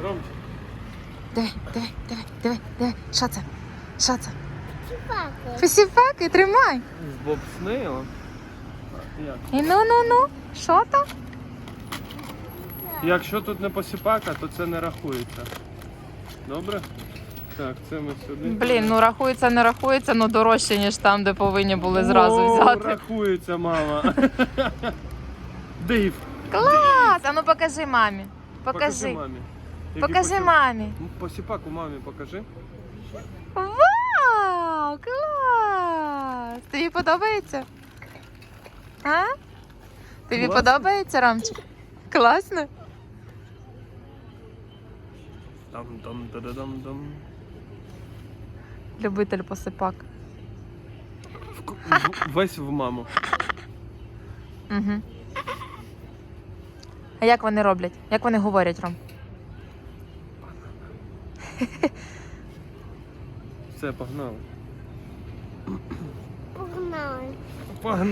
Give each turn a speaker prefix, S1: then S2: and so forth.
S1: Ромчик.
S2: Диви. Що це? Що це?
S3: Чіпаки.
S2: Посіпаки, тримай.
S1: З бобснейлом. Як?
S2: І ну. Що там?
S1: Якщо тут не посіпака, то це не рахується. Добре? Так, це ми сюди.
S2: Блін, ну рахується, не рахується, ну дорожче, ніж там, де повинні були зразу
S1: О,
S2: взяти.
S1: Рахується, мама. Дейв.
S2: Клас! А ну покажи мамі. Покажи.
S1: мамі.
S2: Покажи мамі.
S1: Посіпаку мамі покажи.
S2: Вау! Клас! Тобі подобається? А? Тобі
S1: Класно.
S2: подобається, Ромчик? Класно?
S1: Там-там-та-да-дам-дам.
S2: Любитель посипак.
S1: Весь в маму.
S2: Угу. А як вони роблять? Як вони говорять, Ром?
S1: Все, погнали.
S3: Погнали.
S1: Погнали.